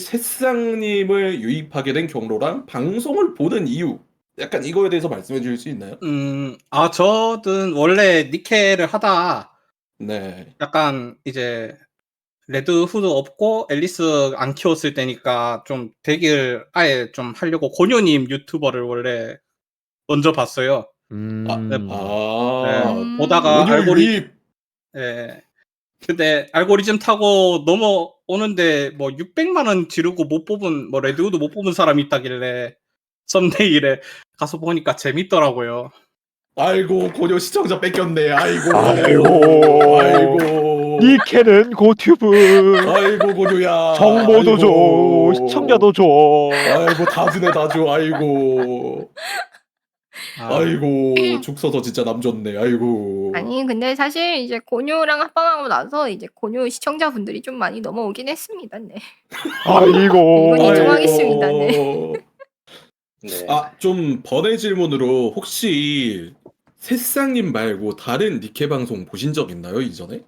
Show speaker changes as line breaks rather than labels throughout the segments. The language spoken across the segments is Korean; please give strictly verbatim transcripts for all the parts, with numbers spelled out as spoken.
새싹님을 유입하게 된 경로랑 방송을 보는 이유 약간 이거에 대해서 말씀해 주실 수 있나요?
음, 아, 저는 원래 니케를 하다
네.
약간 이제 레드 후드 없고 앨리스 안 키웠을 때니까 좀 대기를 아예 좀 하려고 고뇨님 유튜버를 원래 먼저 봤어요.
아,
네,
음.
네,
아,
보다가
오늘
알고리,
유입.
예. 근데 알고리즘 타고 넘어오는데 뭐 육백만 원 지르고 못 뽑은 뭐 레드우드 못 뽑은 사람이 있다길래 썸네일에 가서 보니까 재밌더라고요.
아이고 고뇨 시청자 뺏겼네. 아이고.
아이고.
아이고.
니케는 고튜브.
아이고 고뇨야.
정보도 줘.
아이고.
시청자도 줘.
아이고 다 주네 다 줘. 아이고.
아,
아이고 죽 서서 진짜 남 좋네. 아이고.
아니 근데 사실 이제 고뇨랑 합방하고 나서 이제 고뇨 시청자분들이 좀 많이 넘어오긴 했습니다. 네.
아이고.
이건 인정하겠습니다. 네.
아이고.
네.
아, 좀 번외 질문으로 혹시 새싹님 말고 다른 니케 방송 보신 적 있나요, 이전에?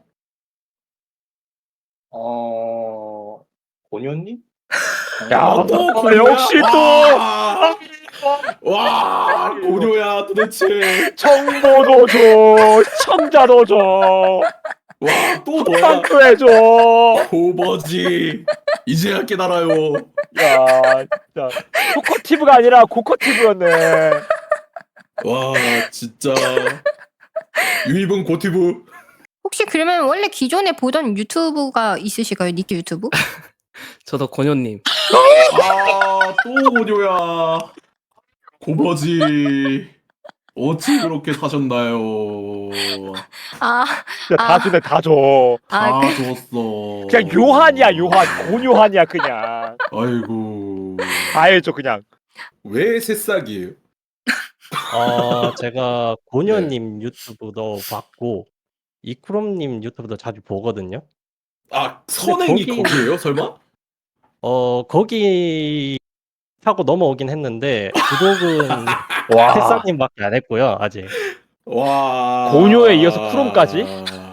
어, 고뇨님?
야,
아, 또
아,
고뇨야?
역시 또.
와, 와, 고뇨야 도대체.
정보도 줘. 시청자도 줘.
와, 또 너야.
빵도 해줘.
고버지. 이제야 깨달아요.
야, 진짜 코커티브가 아니라 고커티브였네.
와, 진짜. 유입은 고티브.
혹시 그러면 원래 기존에 보던 유튜브가 있으실까요? 니케 유튜브?
저도 고뇨님.
아, 또 고뇨야. 고버지. 어찌 그렇게 사셨나요?
아,
진짜 다
아.
주네, 다 줘.
아,
다
그,
줬어.
그냥 요한이야, 요한. 고요한이야, 그냥.
아이고.
다 해줘, 그냥.
왜 새싹이에요?
어, 제가 고뇨님 유튜브도 봤고 이크롬님 유튜브도 자주 보거든요.
아, 선행이
거기-
거기에요, 설마?
어, 거기 타고 넘어오긴 했는데 구독은
와.
새싹님밖에 안 했고요, 아직.
와.
고뇨에 이어서 쿠롬까지?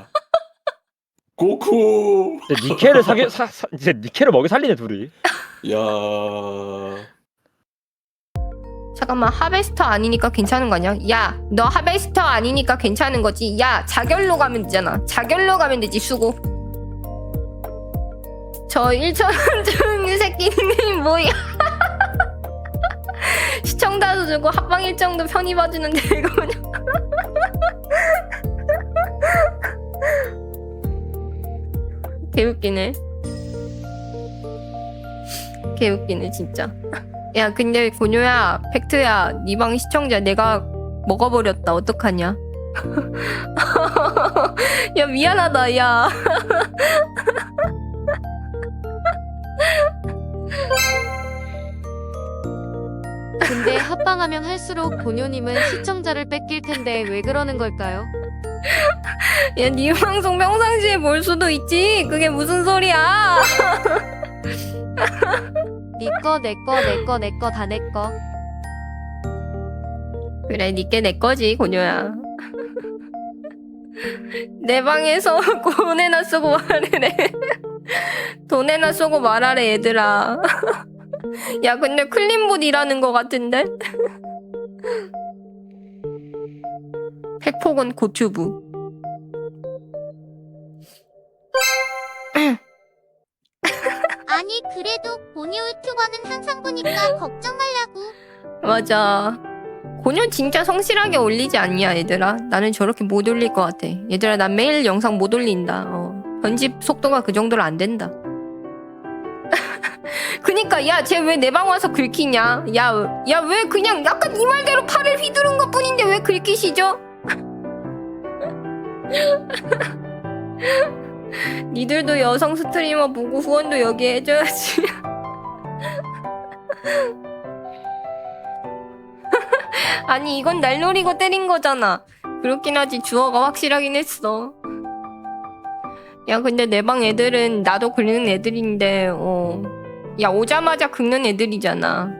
고쿠.
이제 니케를 사게, 사, 사, 이제 니케를 먹여 살리네, 둘이.
야.
잠깐만 하베스터 아니니까 괜찮은 거 아니야? 야, 너 하베스터 아니니까 괜찮은 거지? 야, 자결로 가면 되잖아. 자결로 가면 되지, 수고. 저 일천 중 새끼님 뭐야? 시청자도 주고 합방 일정도 편히 봐주는데 이거 그냥. 개웃기네. 개웃기네 진짜. 야 근데 고뇨야 팩트야 니 방 시청자 내가 먹어버렸다 어떡하냐. 야 미안하다 야.
근데 합방하면 할수록 고뇨님은 시청자를 뺏길 텐데 왜 그러는 걸까요?
야 니 방송 평상시에 볼 수도 있지. 그게 무슨 소리야.
니꺼 내꺼 내꺼 내꺼 다 내꺼.
그래 니께 내 거지 고뇨야. 내 방에서 돈에나 쓰고 말하래. 돈에나 쓰고 말하래 얘들아. 야 근데 클린봇 일하는 거 같은데? 팩폭은 고튜브.
아니 그래도 고뇨 유튜버는 항상 보니까 걱정 말라고.
맞아. 고뇨 진짜 성실하게 올리지 않냐 얘들아. 나는 저렇게 못 올릴 것 같아. 얘들아 난 매일 영상 못 올린다. 어. 편집 속도가 그 정도로 안 된다. 그니까 야 쟤 왜 내 방 와서 긁히냐. 야 야 왜 그냥 약간 이 말대로 팔을 휘두른 것 뿐인데 왜 긁히시죠? 니들도 여성 스트리머 보고 후원도 여기 해줘야지. 아니 이건 날 노리고 때린 거잖아. 그렇긴 하지 주어가 확실하긴 했어. 야 근데 내 방 애들은 나도 긁는 애들인데 어. 야 오자마자 긁는 애들이잖아.